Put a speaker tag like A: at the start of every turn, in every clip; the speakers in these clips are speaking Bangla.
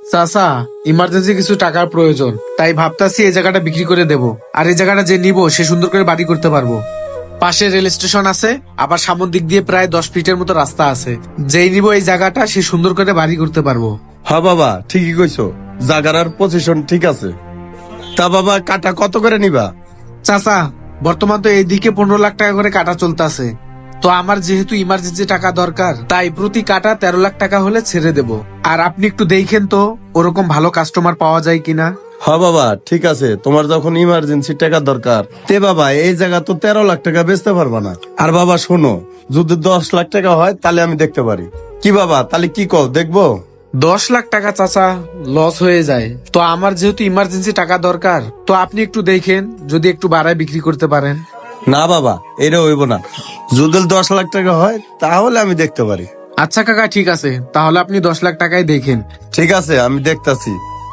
A: চাচা, ইমার্জেন্সি কিছু টাকার প্রয়োজন, তাই ভাবতাছি এই জায়গাটা বিক্রি করে দেব। আর এই জায়গাটা যে নিব সে সুন্দর করে বাড়ি করতে পারবো। পাশে রেল স্টেশন আছে, আবার সামনের দিক দিয়ে প্রায় 10 ফিটের মতো রাস্তা আছে। যেই নিব এই জায়গাটা সে সুন্দর করে বাড়ি করতে পারবো।
B: হ্যাঁ বাবা, ঠিকই কইছো, জাগার পজিশন ঠিক আছে। তা বাবা, কাটা কত করে নিবা?
A: চাচা, বর্তমান তো এইদিকে 15 লাখ টাকা করে কাটা চলতেছে। তো আমার যেহেতু ইমার্জেন্সি টাকা দরকার, তাই প্রতি কাটা 13 লাখ টাকা হলে ছেড়ে দেব। আর আপনি একটু দেখেন তো ওরকম ভালো কাস্টমার পাওয়া যায় কিনা।
B: হ্যাঁ বাবা, ঠিক আছে, তোমার যখন ইমার্জেন্সি টাকা দরকার, তে বাবা এই জায়গা তো 13 লাখ টাকা বেচতে পারবা না। আর বাবা শোনো, যদি 10 লাখ টাকা হয় তাহলে আমি দেখতে পারি। কি বাবা, তাহলে কি কও, দেখবো?
A: 10 লাখ টাকা চাচা লস হয়ে যায়। তো আমার যেহেতু ইমার্জেন্সি টাকা দরকার, তো আপনি একটু দেখেন যদি একটু বাড়ায় বিক্রি করতে পারেন।
B: না বাবা, এটা হইব না। যদি 10 লাখ টাকা হয় তাহলে আমি দেখতে পারি।
A: আচ্ছা কাকা, ঠিক আছে, তাহলে আপনি 10 লাখ টাকায় দেখেন।
B: ঠিক আছে, আমি দেখতাছি।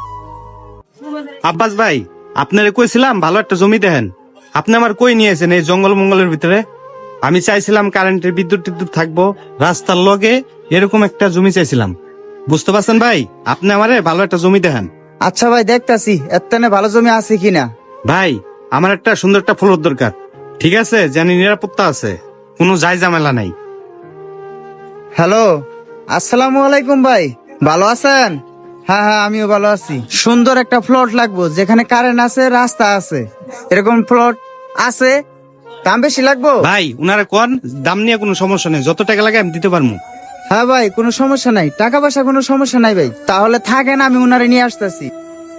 C: আব্বাস ভাই, আপনারে কইছিলাম ভালো একটা জমি দেখেন। আপনি আমার কই নিয়েছেন এই জঙ্গল মঙ্গলের ভিতরে? আমি চাইছিলাম কারেন্টের বিদ্যুৎ টিদ্যুৎ থাকবো, রাস্তার লগে এরকম একটা জমি চাইছিলাম। বুঝতে পারছেন ভাই, আপনি আমারে ভালো একটা জমি দেখেন।
D: আচ্ছা ভাই, দেখতাছি এত্তানে ভালো জমি আছে কিনা।
C: ভাই, আমার একটা সুন্দর একটা ফ্লোর দরকার, ঠিক আছে, জানি নিরাপত্তা আছে, কোনো যাই ঝামেলা নাই।
D: হ্যালো, আসসালামু আলাইকুম ভাই, ভালো আছেন? হ্যাঁ হ্যাঁ, আমিও ভালো আছি। সুন্দর একটা প্লট লাগবো যেখানে কারেন্ট আছে, রাস্তা আছে, এরকম প্লট আছে। দাম বেশি লাগবো?
C: ভাই উনারা কোন দাম নিয়ে কোনো সমস্যা নেই, যত টাকা লাগে আমি দিতে পারবো।
D: হ্যাঁ ভাই, কোনো সমস্যা নাই, টাকা পয়সা কোনো সমস্যা নাই ভাই। তাহলে থাকেন, আমি উনারে নিয়ে আসতেছি।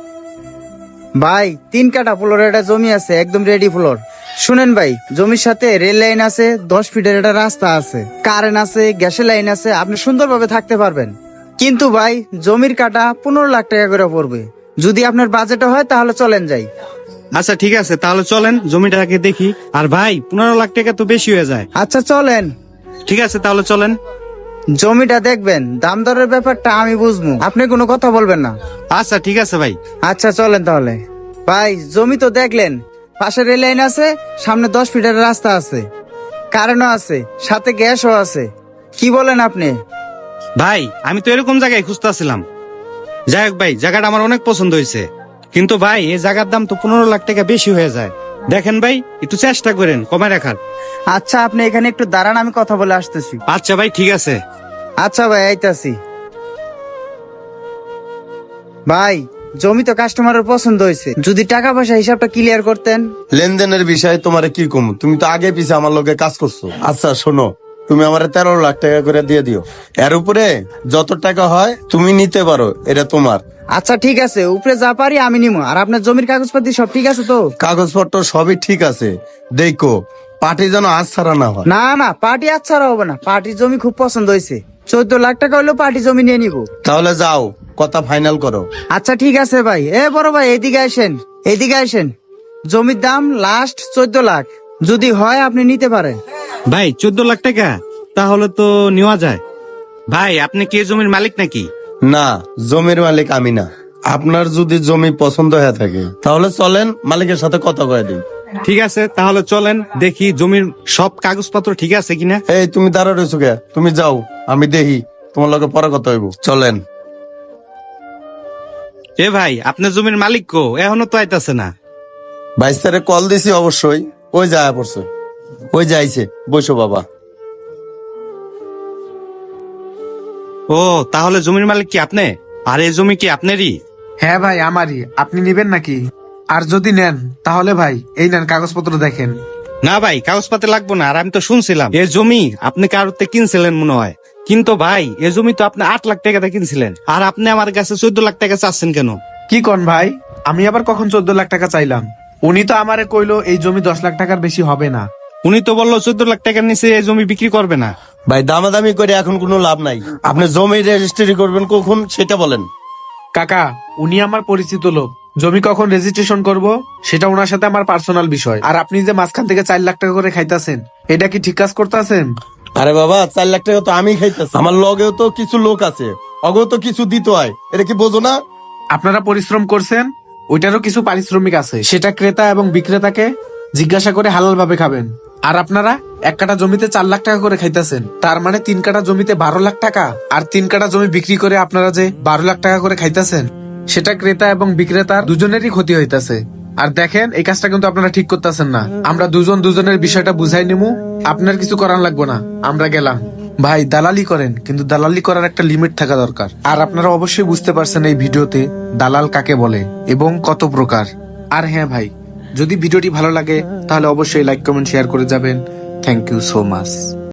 D: ভাই 3 কাঠা ফ্লোর একটা জমি আছে, একদম রেডি ফ্লোর। শুনেন ভাই, জমির সাথে রেল লাইন আছে, 10 ফিটের একটা রাস্তা আছে, কারেন্ট আছে, গ্যাসের লাইন আছে, আপনি সুন্দরভাবে থাকতে পারবেন। কিন্তু ভাই জমির কাটা 15 লাখ টাকা করে পড়বে। যদি আপনার বাজেট হয় তাহলে চলেন যাই।
C: আচ্ছা ঠিক আছে, তাহলে চলেন জমিটাকে দেখি। আর ভাই 15 লাখ টাকা তো বেশি হয়ে যায়।
D: আচ্ছা চলেন।
C: ঠিক আছে, তাহলে চলেন।
D: জমিটা দেখবেন, দাম দরের ব্যাপারটা আমি বুঝবো, আপনি কোনো কথা বলবেন না।
C: আচ্ছা ঠিক আছে ভাই।
D: আচ্ছা চলেন তাহলে। ভাই জমি তো দেখলেন, পাশে রেল লাইন আছে, সামনে 10 ফিটের রাস্তা আছে, কারেন্টও আছে, সাথে গ্যাসও আছে। কি বলেন আপনি?
C: ভাই আমি তো এরকম জায়গায় খুঁজতেছিলাম। যাই হোক ভাই, জায়গাটা আমার অনেক পছন্দ হয়েছে, কিন্তু ভাই এই জায়গার দাম তো 15 লাখ টাকা বেশি হয়ে যায়। দেখেন ভাই, একটু চেষ্টা করেন কমায় রাখার।
D: আচ্ছা আপনি এখানে একটু দাঁড়ান, আমি কথা বলে আসতেছি।
C: আচ্ছা ভাই, ঠিক আছে।
D: আচ্ছা ভাই, আইতাছি। ভাই জমি তো কাস্টমারের পছন্দ হয়েছে, যদি টাকা পয়সা হিসাবটা ক্লিয়ার করতেন।
B: লেনদেনের বিষয়ে তোমারে কি কম, তুমি তো আগে পিছে আমার লগে কাজ করছো। আচ্ছা শোনো, তুমি আমার 13 লাখ টাকা করে দিয়ে দিও। এর উপরে যত টাকা হয় তুমি নিতে পারো, এটা তোমার।
D: আচ্ছা ঠিক আছে, উপরে যা পারি আমি নিবো। আর আপনার জমির কাগজপাতি সব ঠিক আছে তো?
B: কাগজপত্র সবই ঠিক আছে, দেখো পার্টি যেন আজ ছাড়া না হয়।
D: না না, পার্টি আচ্ছা হবে না, পার্টির জমি খুব পছন্দ হয়েছে। 14 লাখ টাকা হলেও পার্টি জমি নিয়ে নিবো।
B: তাহলে যাও, কথা ফাইনাল করো।
D: আচ্ছা ঠিক আছে ভাই। এ বড় ভাই, এদিকে আসেন, এদিকে আসেন। জমির দাম লাস্ট 14 লাখ, যদি হয় আপনি নিতে পারেন।
C: ভাই 14 লাখ টাকা তাহলে তো নেওয়া যায়। ভাই আপনি কি এই জমির মালিক নাকি?
B: না, জমির মালিক আমি না। আপনার যদি জমি পছন্দ হয়ে থাকে তাহলে চলেন, মালিকের সাথে কথা কয়ে দিন।
C: ঠিক আছে, তাহলে চলেন দেখি জমির সব কাগজপত্র ঠিক আছে কিনা।
B: এই তুমি দাঁড়া রয়েছো কে? তুমি যাও, আমি দেখি, তোমার লগে পরে কথা হইব। চলেন।
C: এ ভাই, আপনার জমির মালিক কো? এখনো তো আইতাছে না।
B: বাইস্তারে কল দিছি, অবশ্যই ওই যায় পড়ছে, ওই যাইছে। বসো বাবা।
C: ও, তাহলে জমির মালিক কি আপনি? আর এই জমি কি আপনারই?
A: হ্যাঁ ভাই, আমারই। আপনি নিবেন নাকি? আর যদি নেন তাহলে ভাই এই নেন, কাগজপত্র দেখেন।
C: না ভাই, কাগজপাতি লাগবো না। আর আমি তো শুনছিলাম এই জমি আপনি কারোতে কিনছিলেন মনে হয়। কিন্তু ভাই এই জমি তো আপনি 8 লাখ টাকাতে কিনছিলেন, আর আপনি আমার কাছে 14 লাখ টাকা চাচ্ছেন কেন?
A: কি কন ভাই, আমি আবার কখন 14 লাখ টাকা চাইলাম? উনি তো আমারে কইলো এই জমি 10 লাখ টাকার বেশি হবে না।
C: উনি তো বললো 14 লাখ টাকার নিচে এই জমি বিক্রি করবে না।
B: ভাই দামাদামি করে এখন কোনো লাভ নাই। আপনি জমি রেজিস্ট্রি করবেন কখন সেটা বলেন।
A: কাকা, উনি আমার পরিচিত লোক। জমি কখন রেজিস্ট্রেশন করব সেটা ওনার সাথে আমার পার্সোনাল বিষয়। আর আপনি যে মাঝখান থেকে 4 লাখ টাকা করে খাইতাছেন, এটা কি ঠিক কাজ করতেছেন?
B: আরে বাবা, 4 লাখ টাকা তো আমি খাইতেছি, আমার লগেও তো কিছু লোক আছে, অগেও তো কিছু দিতে হয়, এটা কি বোঝো না?
A: আপনারা পরিশ্রম করছেন, ওইটারও কিছু পারিশ্রমিক আছে, সেটা ক্রেতা এবং বিক্রেতাকে জিজ্ঞাসা করে হালাল ভাবে খাবেন। আর আপনারা 1 কাঠা জমিতে 4 লাখ টাকা করে খাইতেছেন, তার মানে 3 কাঠা জমিতে 12 লাখ টাকা। আর 3 কাঠা জমি বিক্রি করে আপনারা যে 12 লাখ টাকা করে খাইতেছেন, সেটা ক্রেতা এবং বিক্রেতার দুজনেরই ক্ষতি হইতাছে। আর দেখেন, এই কাজটা কিন্তু আপনারা ঠিক করতেছেন না। আমরা দুজনের বিষয়টা বুঝাই নিমু, আপনার কিছু করার লাগবে না, আমরা গেলাম। ভাই দালালি করেন, কিন্তু দালালি করার একটা লিমিট থাকা দরকার। আর আপনারা অবশ্যই বুঝতে পারছেন এই ভিডিওতে দালাল কাকে বলে এবং কত প্রকার। আর হ্যাঁ ভাই, যদি ভিডিওটি ভালো লাগে তাহলে অবশ্যই লাইক কমেন্ট শেয়ার করে যাবেন। Thank you so much.